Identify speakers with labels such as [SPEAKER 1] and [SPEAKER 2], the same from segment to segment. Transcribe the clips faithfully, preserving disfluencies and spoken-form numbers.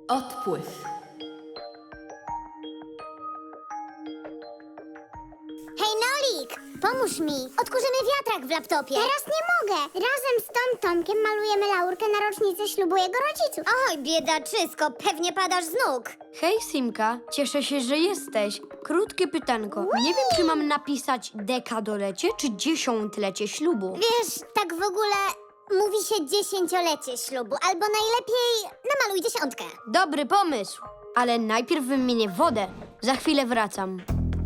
[SPEAKER 1] Odpływ.
[SPEAKER 2] Hej, Nolik! Pomóż mi! Odkurzymy wiatrak w laptopie. Teraz nie mogę. Razem z Tom Tomkiem malujemy laurkę na rocznicę ślubu jego rodziców. Oj, biedaczysko, pewnie padasz z nóg.
[SPEAKER 3] Hej, Simka, cieszę się, że jesteś. Krótkie pytanko. Nie wiem, czy mam napisać dekadolecie, czy dziesiątlecie ślubu.
[SPEAKER 2] Wiesz, tak w ogóle mówi się dziesięciolecie ślubu, albo najlepiej namaluj dziesiątkę.
[SPEAKER 3] Dobry pomysł, ale najpierw wymienię wodę. Za chwilę wracam.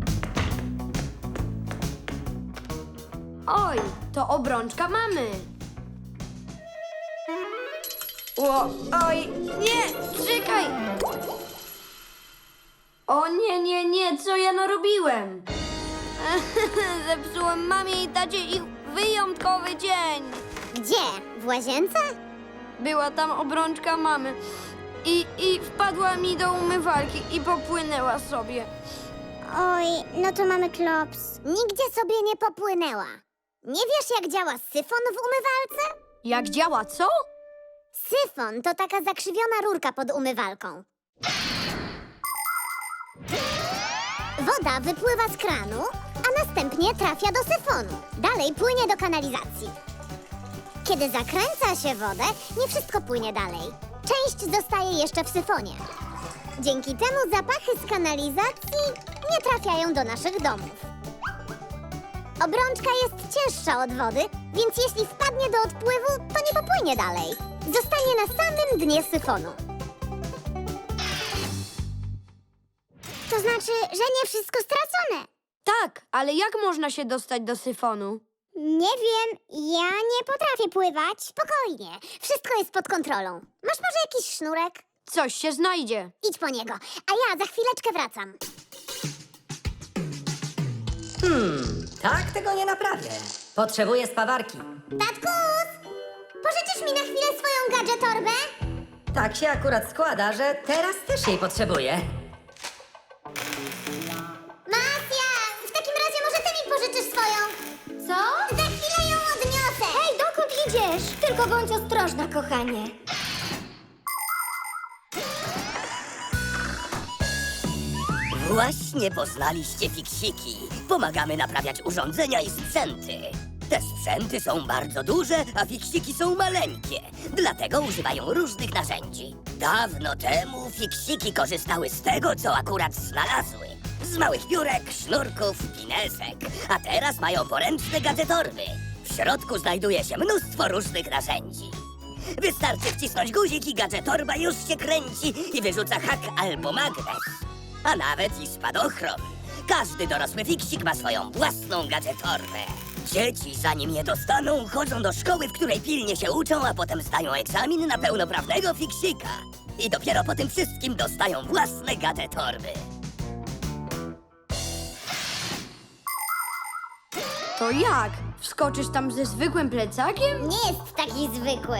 [SPEAKER 3] Oj, to obrączka mamy. O, oj, nie, czekaj. O nie, nie, nie, co ja narobiłem? Zepsułem mamie i tacie ich wyjątkowy dzień.
[SPEAKER 2] Gdzie? W łazience?
[SPEAKER 3] Była tam obrączka mamy i, i wpadła mi do umywalki i popłynęła sobie.
[SPEAKER 2] Oj, no to mamy klops. Nigdzie sobie nie popłynęła. Nie wiesz, jak działa syfon w umywalce?
[SPEAKER 3] Jak działa, co?
[SPEAKER 2] Syfon to taka zakrzywiona rurka pod umywalką. Woda wypływa z kranu, a następnie trafia do syfonu. Dalej płynie do kanalizacji. Kiedy zakręca się wodę, nie wszystko płynie dalej. Część zostaje jeszcze w syfonie. Dzięki temu zapachy z kanalizacji nie trafiają do naszych domów. Obrączka jest cięższa od wody, więc jeśli wpadnie do odpływu, to nie popłynie dalej. Zostanie na samym dnie syfonu. To znaczy, że nie wszystko stracone.
[SPEAKER 3] Tak, ale jak można się dostać do syfonu?
[SPEAKER 2] Nie wiem, ja nie potrafię pływać. Spokojnie, wszystko jest pod kontrolą. Masz może jakiś sznurek?
[SPEAKER 3] Coś się znajdzie.
[SPEAKER 2] Idź po niego, a ja za chwileczkę wracam.
[SPEAKER 4] Hmm, tak tego nie naprawię. Potrzebuję spawarki.
[SPEAKER 2] Tatkus! Pożyczysz mi na chwilę swoją gadżetorbę?
[SPEAKER 4] Tak się akurat składa, że teraz też jej potrzebuję.
[SPEAKER 2] Masja, w takim razie może ty mi pożyczysz swoją. Co? Za chwilę ją odniosę. Hej, dokąd idziesz? Tylko bądź ostrożna, kochanie.
[SPEAKER 5] Właśnie poznaliście fiksiki. Pomagamy naprawiać urządzenia i sprzęty. Te sprzęty są bardzo duże, a fiksiki są maleńkie. Dlatego używają różnych narzędzi. Dawno temu fiksiki korzystały z tego, co akurat znalazły. Z małych piórek, sznurków, pinesek. A teraz mają poręczne gadżetorby. W środku znajduje się mnóstwo różnych narzędzi. Wystarczy wcisnąć guzik i gadżetorba już się kręci i wyrzuca hak albo magnes. A nawet i spadochron. Każdy dorosły fiksik ma swoją własną gadżetorbę. Dzieci, zanim je dostaną, chodzą do szkoły, w której pilnie się uczą, a potem zdają egzamin na pełnoprawnego fiksika. I dopiero po tym wszystkim dostają własne gadżetorby.
[SPEAKER 3] To jak? Wskoczysz tam ze zwykłym plecakiem?
[SPEAKER 2] Nie jest taki zwykły.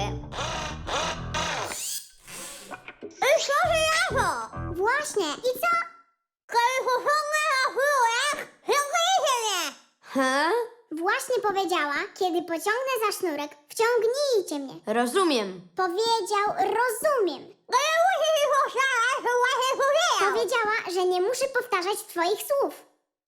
[SPEAKER 2] Właśnie. I co?
[SPEAKER 3] He?
[SPEAKER 2] Właśnie powiedziała, kiedy pociągnę za sznurek, wciągnijcie mnie.
[SPEAKER 3] Rozumiem.
[SPEAKER 2] Powiedział, rozumiem. Powiedziała, że nie muszę powtarzać twoich słów.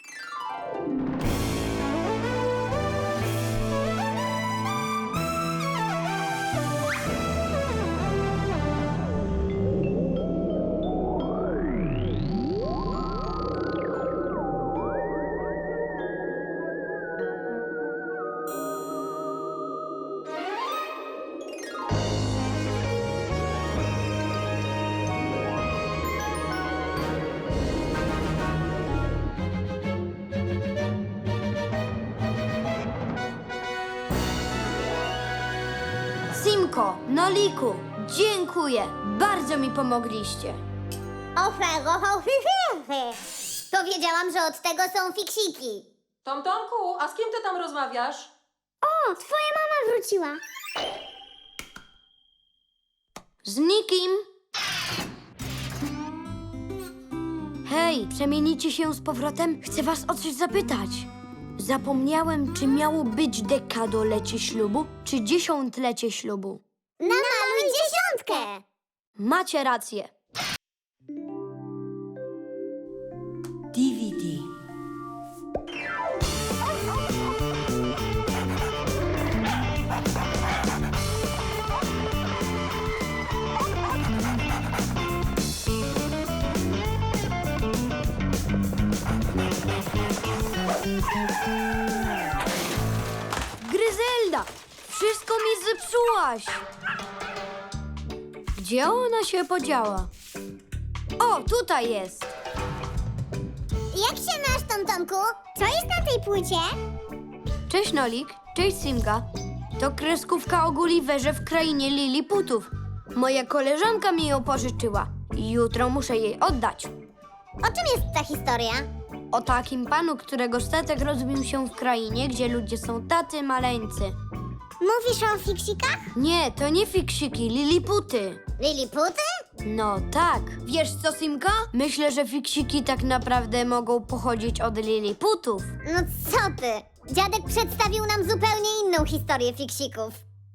[SPEAKER 3] Simko, Noliku, dziękuję. Bardzo mi pomogliście.
[SPEAKER 2] Powiedziałam, że od tego są fiksiki.
[SPEAKER 1] Tom Tomku, a z kim ty tam rozmawiasz?
[SPEAKER 2] O, twoja mama wróciła.
[SPEAKER 3] Z nikim. Hej, przemienicie się z powrotem? Chcę was o coś zapytać. Zapomniałem, czy miało być dekadolecie ślubu, czy dziesiątlecie ślubu.
[SPEAKER 2] Namaluj dziesiątkę.
[SPEAKER 3] Macie rację. zniknęłaś! Gdzie ona się podziała? O, tutaj jest!
[SPEAKER 2] Jak się masz, Tomtomku? Co jest na tej płycie?
[SPEAKER 3] Cześć Nolik, cześć Simka. To kreskówka o Gulliverze w krainie Liliputów. Moja koleżanka mi ją pożyczyła. Jutro muszę jej oddać.
[SPEAKER 2] O czym jest ta historia?
[SPEAKER 3] O takim panu, którego statek rozbił się w krainie, gdzie ludzie są tacy maleńcy.
[SPEAKER 2] Mówisz o fiksikach?
[SPEAKER 3] Nie, to nie fiksiki, Liliputy.
[SPEAKER 2] Liliputy?
[SPEAKER 3] No tak. Wiesz co, Simka? Myślę, że fiksiki tak naprawdę mogą pochodzić od Liliputów.
[SPEAKER 2] No co ty? Dziadek przedstawił nam zupełnie inną historię fiksików.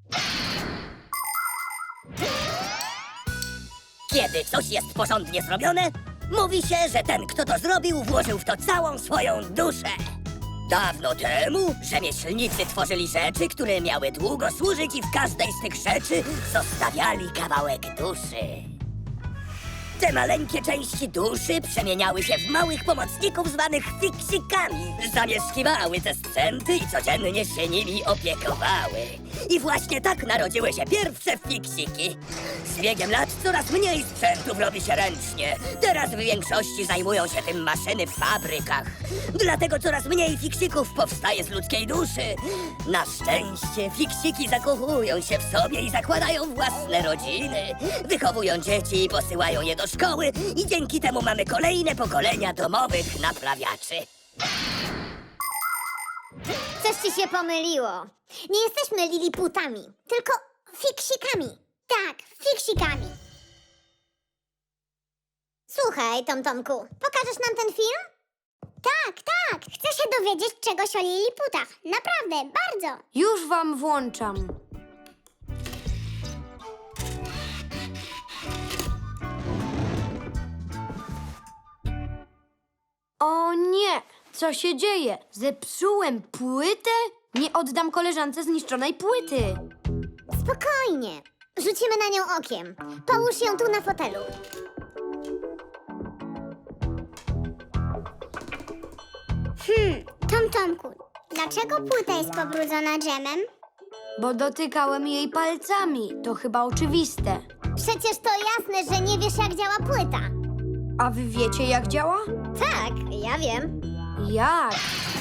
[SPEAKER 5] Kiedy coś jest porządnie zrobione, mówi się, że ten, kto to zrobił, włożył w to całą swoją duszę. Dawno temu rzemieślnicy tworzyli rzeczy, które miały długo służyć i w każdej z tych rzeczy zostawiali kawałek duszy. Te maleńkie części duszy przemieniały się w małych pomocników zwanych fiksikami. Zamieszkiwały te sprzęty i codziennie się nimi opiekowały. I właśnie tak narodziły się pierwsze fiksiki. Z biegiem lat coraz mniej sprzętów robi się ręcznie. Teraz w większości zajmują się tym maszyny w fabrykach. Dlatego coraz mniej fiksików powstaje z ludzkiej duszy. Na szczęście fiksiki zakochują się w sobie i zakładają własne rodziny. Wychowują dzieci i posyłają je do szkoły i dzięki temu mamy kolejne pokolenia domowych naprawiaczy.
[SPEAKER 2] Coś ci się pomyliło. Nie jesteśmy liliputami, tylko fiksikami. Tak, fiksikami. Słuchaj, Tomtomku, pokażesz nam ten film? Tak, tak. Chcę się dowiedzieć czegoś o liliputach. Naprawdę, bardzo.
[SPEAKER 3] Już wam włączam. O nie! Co się dzieje? Zepsułem płytę? Nie oddam koleżance zniszczonej płyty.
[SPEAKER 2] Spokojnie. Rzucimy na nią okiem. Połóż ją tu na fotelu. Hmm, Tomtomku, dlaczego płyta jest pobrudzona dżemem?
[SPEAKER 3] Bo dotykałem jej palcami. To chyba oczywiste.
[SPEAKER 2] Przecież to jasne, że nie wiesz, jak działa płyta.
[SPEAKER 3] A wy wiecie, jak działa?
[SPEAKER 2] Tak, ja wiem.
[SPEAKER 3] Jak?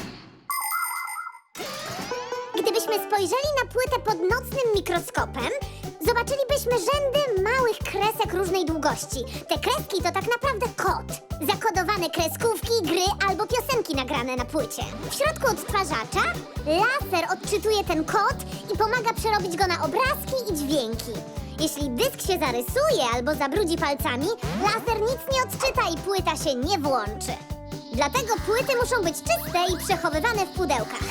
[SPEAKER 2] Gdybyśmy spojrzeli na płytę pod nocnym mikroskopem, zobaczylibyśmy rzędy małych kresek różnej długości. Te kreski to tak naprawdę kod. Zakodowane kreskówki, gry albo piosenki nagrane na płycie. W środku odtwarzacza laser odczytuje ten kod i pomaga przerobić go na obrazki i dźwięki. Jeśli dysk się zarysuje albo zabrudzi palcami, laser nic nie odczyta i płyta się nie włączy. Dlatego płyty muszą być czyste i przechowywane w pudełkach.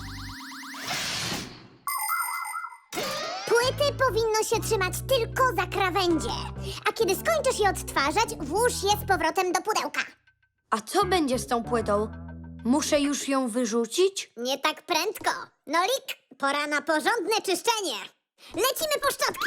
[SPEAKER 2] Płyty powinno się trzymać tylko za krawędzie, a kiedy skończysz je odtwarzać, włóż je z powrotem do pudełka.
[SPEAKER 3] A co będzie z tą płytą? Muszę już ją wyrzucić?
[SPEAKER 2] Nie tak prędko. Nolik, pora na porządne czyszczenie. Lecimy po szczotki.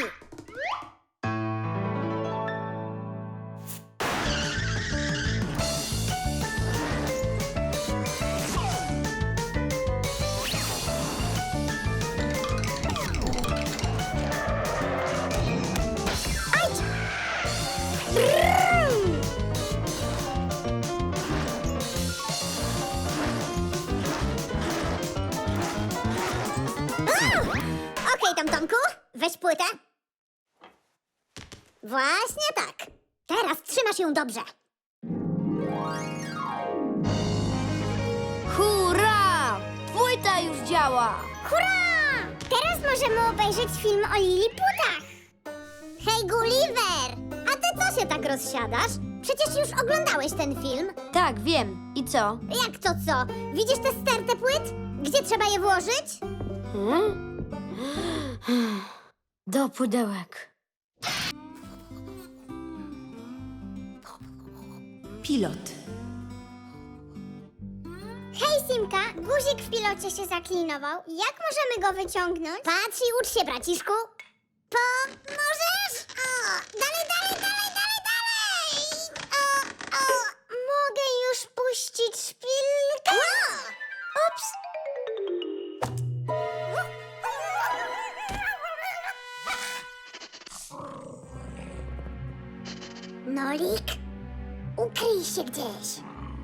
[SPEAKER 2] Okej, Tomtomku, weź płytę. Właśnie tak. Teraz trzymasz ją dobrze.
[SPEAKER 3] Hurra! Płyta już działa!
[SPEAKER 2] Hurra! Teraz możemy obejrzeć film o liliputach. Hej, Gulliver! A ty co się tak rozsiadasz? Przecież już oglądałeś ten film.
[SPEAKER 3] Tak, wiem. I co?
[SPEAKER 2] Jak to co? Widzisz tę stertę płyt? Gdzie trzeba je włożyć?
[SPEAKER 3] Hmm? Do pudełek.
[SPEAKER 1] Pilot.
[SPEAKER 2] Hej, Simka, guzik w pilocie się zaklinował. Jak możemy go wyciągnąć? Patrz i ucz się, braciszku. Pomożesz? O, dalej, dalej, dalej, dalej, dalej! O, o, mogę już puścić szpilkę? Ups! Nolik, ukryj się gdzieś.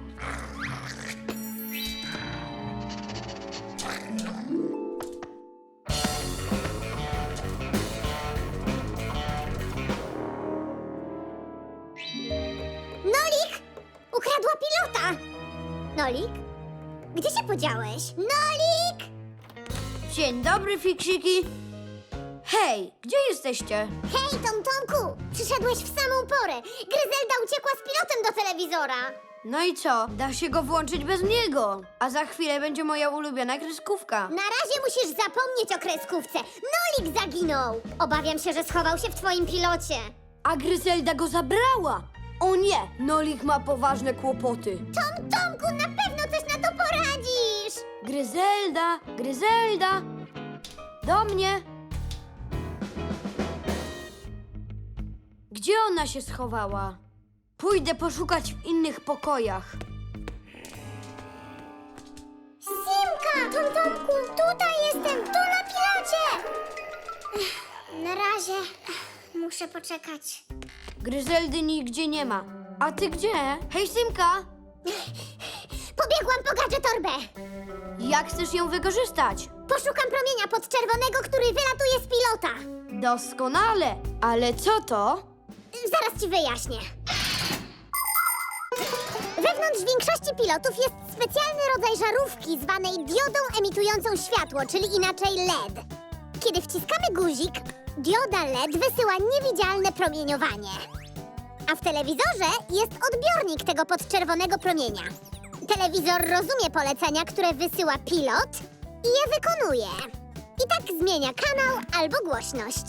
[SPEAKER 2] Nolik! Ukradła pilota! Nolik? Gdzie się podziałeś? Nolik!
[SPEAKER 3] Dzień dobry, fiksiki. Hej, gdzie jesteście?
[SPEAKER 2] Hej, Tom Tomku! Przyszedłeś w samą porę. Gryzelda uciekła z pilotem do telewizora.
[SPEAKER 3] No i co? Da się go włączyć bez niego. A za chwilę będzie moja ulubiona kreskówka.
[SPEAKER 2] Na razie musisz zapomnieć o kreskówce. Nolik zaginął. Obawiam się, że schował się w twoim pilocie.
[SPEAKER 3] A Gryzelda go zabrała. O nie, Nolik ma poważne kłopoty.
[SPEAKER 2] Tom Tomku, na pewno coś na to poradzisz.
[SPEAKER 3] Gryzelda, Gryzelda. Do mnie. Gdzie ona się schowała? Pójdę poszukać w innych pokojach.
[SPEAKER 2] Simka! Tom Tomku, tutaj jestem, tu na pilocie. Ech, Na razie ech, muszę poczekać.
[SPEAKER 3] Gryzeldy nigdzie nie ma. A ty gdzie? Hej, Simka!
[SPEAKER 2] Pobiegłam po gadżetorbę.
[SPEAKER 3] Jak chcesz ją wykorzystać?
[SPEAKER 2] Poszukam promienia podczerwonego, który wylatuje z pilota.
[SPEAKER 3] Doskonale. Ale co to?
[SPEAKER 2] Zaraz ci wyjaśnię. Wewnątrz większości pilotów jest specjalny rodzaj żarówki zwanej diodą emitującą światło, czyli inaczej L E D. Kiedy wciskamy guzik, dioda L E D wysyła niewidzialne promieniowanie. A w telewizorze jest odbiornik tego podczerwonego promienia. Telewizor rozumie polecenia, które wysyła pilot i je wykonuje. I tak zmienia kanał albo głośność.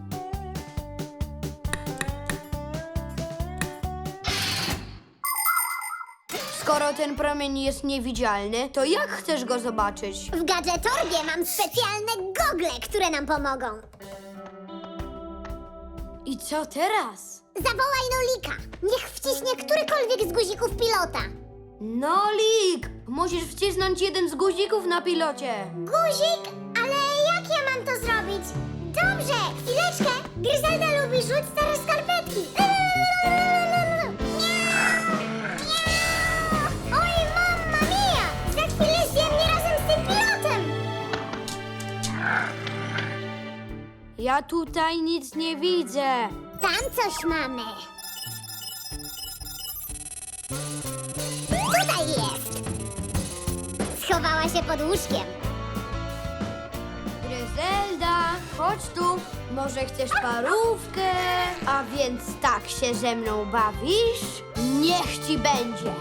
[SPEAKER 3] Skoro ten promień jest niewidzialny, to jak chcesz go zobaczyć?
[SPEAKER 2] W gadżetorbie mam specjalne gogle, które nam pomogą.
[SPEAKER 3] I co teraz?
[SPEAKER 2] Zawołaj Nolika. Niech wciśnie którykolwiek z guzików pilota.
[SPEAKER 3] Nolik! Musisz wcisnąć jeden z guzików na pilocie.
[SPEAKER 2] Guzik? Ale jak ja mam to zrobić? Dobrze, chwileczkę. Gryzelda lubi rzuć stare skarpetki. Miau! Miau! Oj, mamma mia! Za chwilę zjem mnie razem z tym pilotem.
[SPEAKER 3] Ja tutaj nic nie widzę.
[SPEAKER 2] Tam coś mamy. Tutaj jest. Schowała się pod łóżkiem.
[SPEAKER 3] Gryzelda, chodź tu. Może chcesz parówkę? A więc tak się ze mną bawisz? Niech ci będzie.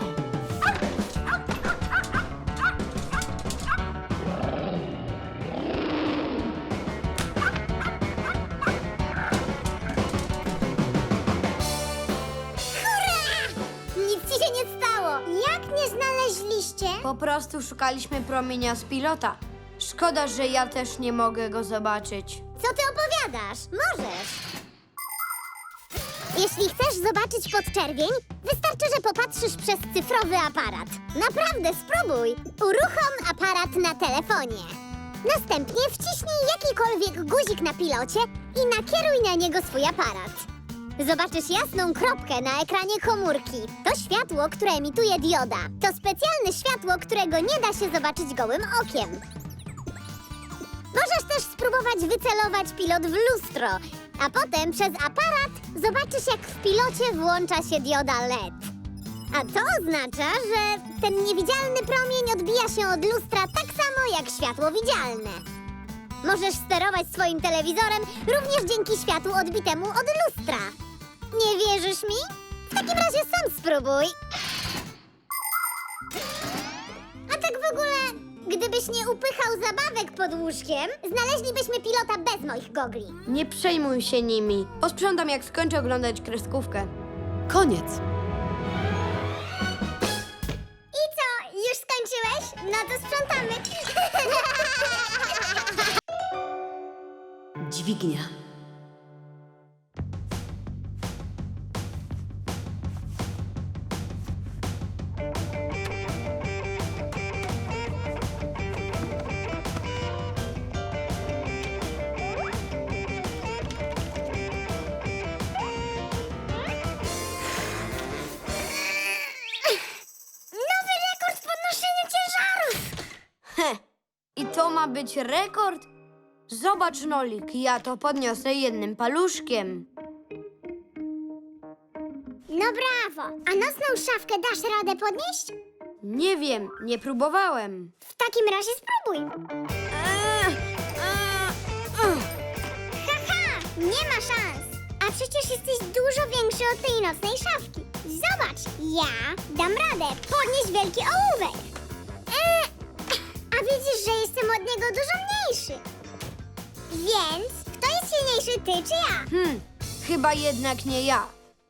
[SPEAKER 2] Nic ci się nie stało. Jak mnie znaleźliście?
[SPEAKER 3] Po prostu szukaliśmy promienia z pilota. Szkoda, że ja też nie mogę go zobaczyć.
[SPEAKER 2] Co ty opowiadasz? Możesz. Jeśli chcesz zobaczyć podczerwień, wystarczy, że popatrzysz przez cyfrowy aparat. Naprawdę, spróbuj. Uruchom aparat na telefonie. Następnie wciśnij jakikolwiek guzik na pilocie i nakieruj na niego swój aparat. Zobaczysz jasną kropkę na ekranie komórki. To światło, które emituje dioda. To specjalne światło, którego nie da się zobaczyć gołym okiem. Możesz też spróbować wycelować pilot w lustro, a potem przez aparat zobaczysz, jak w pilocie włącza się dioda L E D. A to oznacza, że ten niewidzialny promień odbija się od lustra tak samo jak światło widzialne. Możesz sterować swoim telewizorem również dzięki światłu odbitemu od lustra. Nie wierzysz mi? W takim razie sam spróbuj. A tak w ogóle, gdybyś nie upychał zabawek pod łóżkiem, znaleźlibyśmy pilota bez moich gogli.
[SPEAKER 3] Nie przejmuj się nimi. Posprzątam, jak skończę oglądać kreskówkę.
[SPEAKER 1] Koniec.
[SPEAKER 2] I co, już skończyłeś? No to sprzątamy.
[SPEAKER 1] Dźwignia.
[SPEAKER 3] ma być rekord? Zobacz, Nolik, ja to podniosę jednym paluszkiem.
[SPEAKER 2] No brawo! A nocną szafkę dasz radę podnieść?
[SPEAKER 3] Nie wiem, nie próbowałem.
[SPEAKER 2] W takim razie spróbuj.
[SPEAKER 3] Eee, eee, ugh.
[SPEAKER 2] Haha! Nie ma szans! A przecież jesteś dużo większy od tej nocnej szafki. Zobacz, ja dam radę podnieść wielki ołówek. Eee, a widzisz, że jestem od niego dużo mniejszy. Więc kto jest silniejszy, ty czy ja?
[SPEAKER 3] Hmm, chyba jednak nie ja.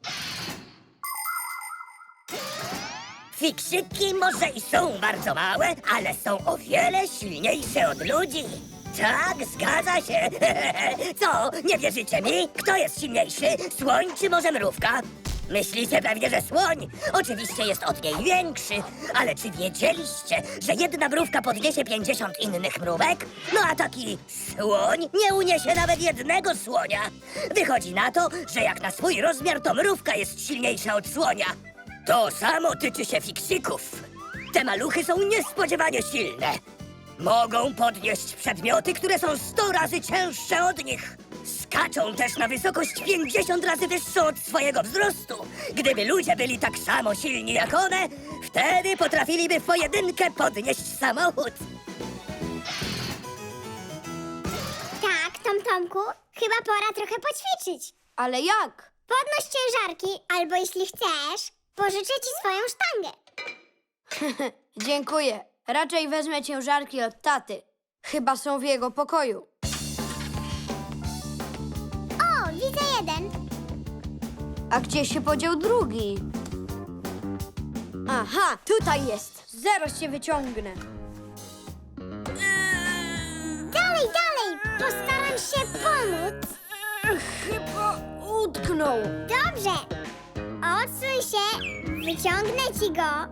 [SPEAKER 5] Fiksiki może i są bardzo małe, ale są o wiele silniejsze od ludzi. Tak, zgadza się. Co, nie wierzycie mi? Kto jest silniejszy? Słoń czy może mrówka? Myślicie pewnie, że słoń. Oczywiście jest od niej większy. Ale czy wiedzieliście, że jedna mrówka podniesie pięćdziesiąt innych mrówek? No a taki słoń nie uniesie nawet jednego słonia. Wychodzi na to, że jak na swój rozmiar, to mrówka jest silniejsza od słonia. To samo tyczy się fiksików. Te maluchy są niespodziewanie silne. Mogą podnieść przedmioty, które są sto razy cięższe od nich. Skaczą też na wysokość pięćdziesiąt razy wyższą od swojego wzrostu. Gdyby ludzie byli tak samo silni jak one, wtedy potrafiliby w pojedynkę podnieść samochód.
[SPEAKER 2] Tak, Tom Tomku, chyba pora trochę poćwiczyć.
[SPEAKER 3] Ale jak?
[SPEAKER 2] Podnoś ciężarki, albo jeśli chcesz, pożyczę ci swoją sztangę.
[SPEAKER 3] Dziękuję. Raczej wezmę ciężarki od taty. Chyba są w jego pokoju.
[SPEAKER 2] O, widzę jeden.
[SPEAKER 3] A gdzie się podział drugi? Aha, tutaj jest. Zaraz się wyciągnę.
[SPEAKER 2] Dalej, dalej, postaram się pomóc.
[SPEAKER 3] Chyba utknął.
[SPEAKER 2] Dobrze. Odsuń się, wyciągnę ci go.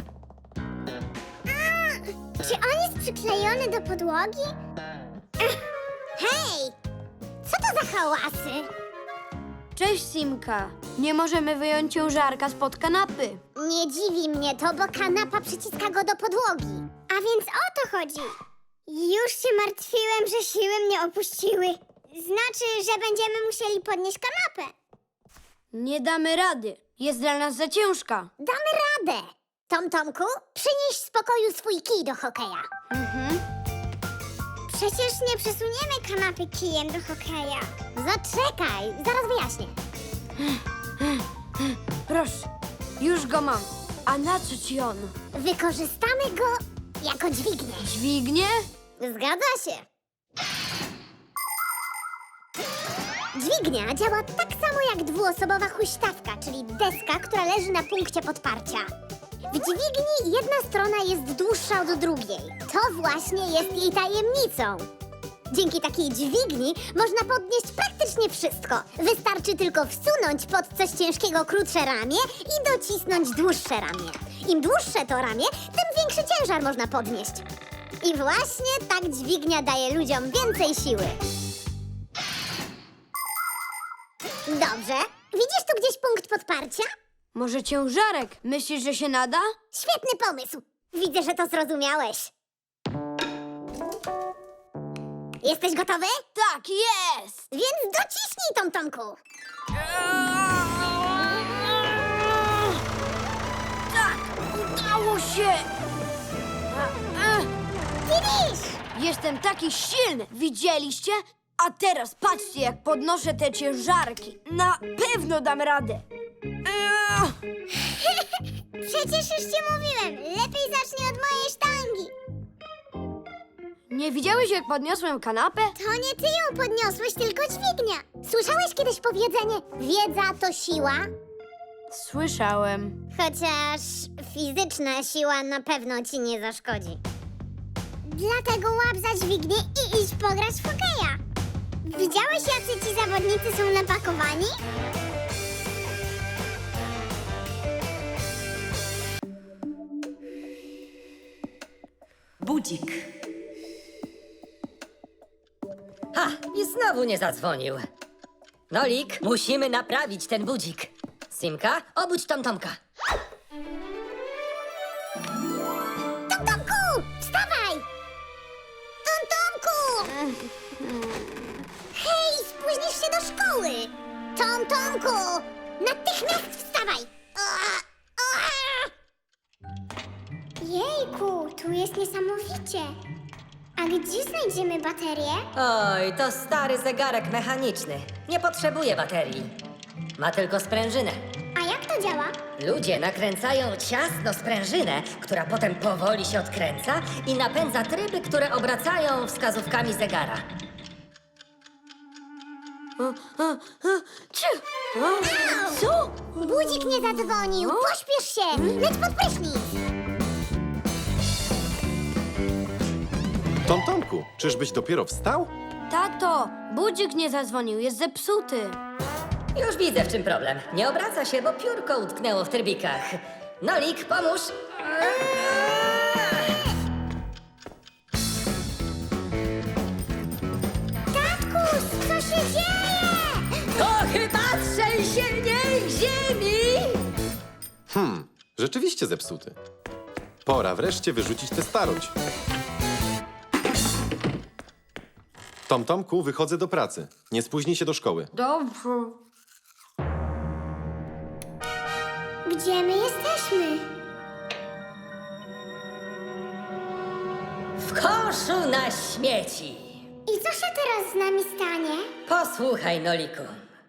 [SPEAKER 2] A, czy on jest przyklejony do podłogi? Ech, hej, co to za hałasy?
[SPEAKER 3] Cześć, Simka. Nie możemy wyjąć ciężarka spod kanapy.
[SPEAKER 2] Nie dziwi mnie to, bo kanapa przyciska go do podłogi. A więc o to chodzi. Już się martwiłem, że siły mnie opuściły. Znaczy, że będziemy musieli podnieść kanapę.
[SPEAKER 3] Nie damy rady. Jest dla nas za ciężka.
[SPEAKER 2] Damy radę. Tom Tomku, przynieś z pokoju swój kij do hokeja.
[SPEAKER 3] Mhm.
[SPEAKER 2] Przecież nie przesuniemy kanapy kijem do hokeja. Zaczekaj, zaraz wyjaśnię.
[SPEAKER 3] Proszę, już go mam. A na co ci on?
[SPEAKER 2] Wykorzystamy go jako dźwignię.
[SPEAKER 3] Dźwignię?
[SPEAKER 2] Zgadza się. Dźwignia działa tak samo jak dwuosobowa huśtawka, czyli deska, która leży na punkcie podparcia. W dźwigni jedna strona jest dłuższa od drugiej. To właśnie jest jej tajemnicą. Dzięki takiej dźwigni można podnieść praktycznie wszystko. Wystarczy tylko wsunąć pod coś ciężkiego krótsze ramię i docisnąć dłuższe ramię. Im dłuższe to ramię, tym większy ciężar można podnieść. I właśnie tak dźwignia daje ludziom więcej siły. Dobrze. Widzisz tu gdzieś punkt podparcia?
[SPEAKER 3] Może ciężarek? Myślisz, że się nada?
[SPEAKER 2] Świetny pomysł. Widzę, że to zrozumiałeś. Jesteś gotowy?
[SPEAKER 3] Tak, jest!
[SPEAKER 2] Więc dociśnij, Tom Tomku.
[SPEAKER 3] Tak, udało się!
[SPEAKER 2] Finish!
[SPEAKER 3] Jestem taki silny, widzieliście? A teraz patrzcie, jak podnoszę te ciężarki. Na pewno dam radę.
[SPEAKER 2] Przecież już ci mówiłem. Lepiej zacznij od mojej sztangi.
[SPEAKER 3] Nie widziałeś, jak podniosłem kanapę?
[SPEAKER 2] To nie ty ją podniosłeś, tylko dźwignia. Słyszałeś kiedyś powiedzenie, wiedza to siła?
[SPEAKER 3] Słyszałem.
[SPEAKER 2] Chociaż fizyczna siła na pewno ci nie zaszkodzi. Dlatego łap za dźwignię i idź pograć w hokeja. Widziałeś, jacy ci zawodnicy są napakowani?
[SPEAKER 1] Budzik.
[SPEAKER 4] Ha! I znowu nie zadzwonił. Nolik, musimy naprawić ten budzik. Simka, obudź Tom Tomka.
[SPEAKER 2] Tom Tomku, wstawaj! Tom Hej, spóźnisz się do szkoły! Tom Tomku! Natychmiast wstawaj! Ua, ua! Jejku, tu jest niesamowicie. A gdzie znajdziemy baterię?
[SPEAKER 4] Oj, to stary zegarek mechaniczny. Nie potrzebuje baterii. Ma tylko sprężynę.
[SPEAKER 2] A jak to działa?
[SPEAKER 4] Ludzie nakręcają ciasno sprężynę, która potem powoli się odkręca i napędza tryby, które obracają wskazówkami zegara. Ciu!
[SPEAKER 2] Co? Budzik nie zadzwonił. Pośpiesz się! Leć pod prysznic!
[SPEAKER 6] Tom Tomku, czyżbyś dopiero wstał?
[SPEAKER 3] Tato, budzik nie zadzwonił, jest zepsuty.
[SPEAKER 4] Już widzę, w czym problem. Nie obraca się, bo piórko utknęło w trybikach. Nolik, pomóż!
[SPEAKER 2] Tatkus, co się dzieje?
[SPEAKER 4] To chyba trzęsienie ziemi!
[SPEAKER 6] Hmm, rzeczywiście zepsuty. Pora wreszcie wyrzucić tę starość. Tom Tomku, wychodzę do pracy. Nie spóźnij się do szkoły.
[SPEAKER 3] Dobrze.
[SPEAKER 2] Gdzie my jesteśmy?
[SPEAKER 4] W koszu na śmieci!
[SPEAKER 2] I co się teraz z nami stanie?
[SPEAKER 4] Posłuchaj, Noliku.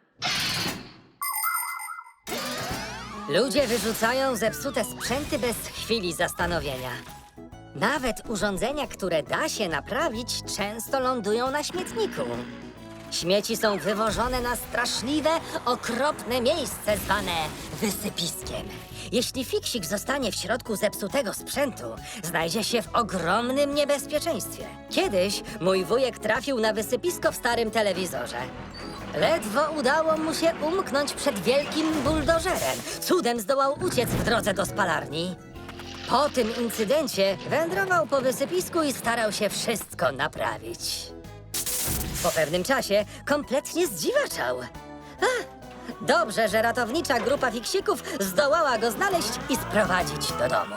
[SPEAKER 4] Ludzie wyrzucają zepsute sprzęty bez chwili zastanowienia. Nawet urządzenia, które da się naprawić, często lądują na śmietniku. Śmieci są wywożone na straszliwe, okropne miejsce zwane wysypiskiem. Jeśli fiksik zostanie w środku zepsutego sprzętu, znajdzie się w ogromnym niebezpieczeństwie. Kiedyś mój wujek trafił na wysypisko w starym telewizorze. Ledwo udało mu się umknąć przed wielkim buldożerem. Cudem zdołał uciec w drodze do spalarni. Po tym incydencie wędrował po wysypisku i starał się wszystko naprawić. Po pewnym czasie kompletnie zdziwaczał. Ach, dobrze, że ratownicza grupa fiksików zdołała go znaleźć i sprowadzić do domu.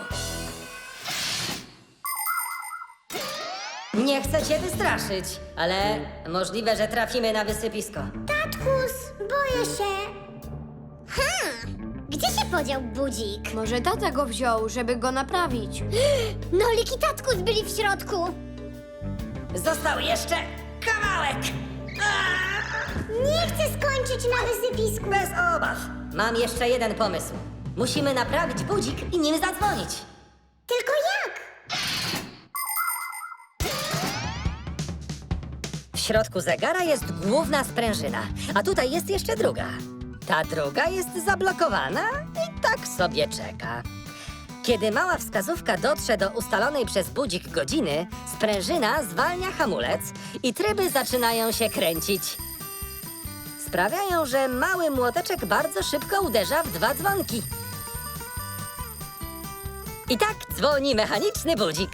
[SPEAKER 4] Nie chcę cię wystraszyć, ale możliwe, że trafimy na wysypisko.
[SPEAKER 2] Tatkus, boję się. Hmm, gdzie się podział budzik?
[SPEAKER 3] Może tata go wziął, żeby go naprawić.
[SPEAKER 2] Nolik i Tatkus byli w środku.
[SPEAKER 4] Został jeszcze kawałek!
[SPEAKER 2] Nie chcę skończyć na wysypisku.
[SPEAKER 4] Bez obaw. Mam jeszcze jeden pomysł. Musimy naprawić budzik i nim zadzwonić.
[SPEAKER 2] Tylko jak?
[SPEAKER 4] W środku zegara jest główna sprężyna, a tutaj jest jeszcze druga. Ta druga jest zablokowana i tak sobie czeka. Kiedy mała wskazówka dotrze do ustalonej przez budzik godziny, sprężyna zwalnia hamulec i tryby zaczynają się kręcić. Sprawiają, że mały młoteczek bardzo szybko uderza w dwa dzwonki. I tak dzwoni mechaniczny budzik.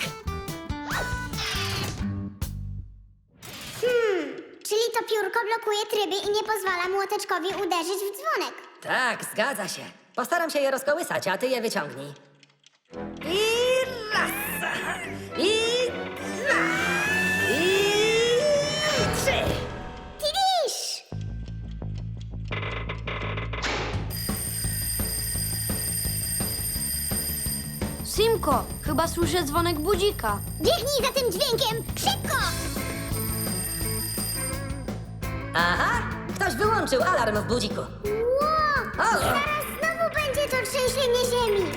[SPEAKER 2] Czyli to piórko blokuje tryby i nie pozwala młoteczkowi uderzyć w dzwonek.
[SPEAKER 4] Tak, zgadza się. Postaram się je rozkołysać, a ty je wyciągnij. I raz, i dwa, i trzy.
[SPEAKER 2] Tidisz!
[SPEAKER 3] Simko, chyba słyszę dzwonek budzika.
[SPEAKER 2] Biegnij za tym dźwiękiem! Szybko!
[SPEAKER 4] Aha, ktoś wyłączył alarm w budziku.
[SPEAKER 2] Ło!
[SPEAKER 4] O!
[SPEAKER 2] Zaraz znowu będzie to trzęsienie ziemi.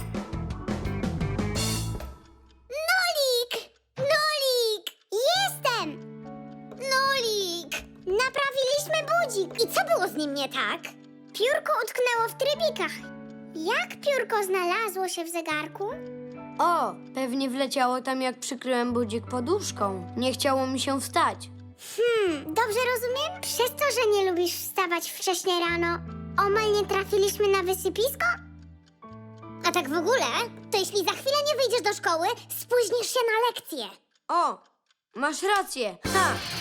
[SPEAKER 2] Nolik! Nolik! Jestem! Nolik! Naprawiliśmy budzik. I co było z nim nie tak? Piórko utknęło w trybikach. Jak piórko znalazło się w zegarku?
[SPEAKER 3] O, pewnie wleciało tam, jak przykryłem budzik poduszką. Nie chciało mi się wstać.
[SPEAKER 2] Hmm, dobrze rozumiem? Przez to, że nie lubisz wstawać wcześnie rano, omal nie trafiliśmy na wysypisko? A tak w ogóle, to jeśli za chwilę nie wyjdziesz do szkoły, spóźnisz się na lekcję.
[SPEAKER 3] O, masz rację. Ha,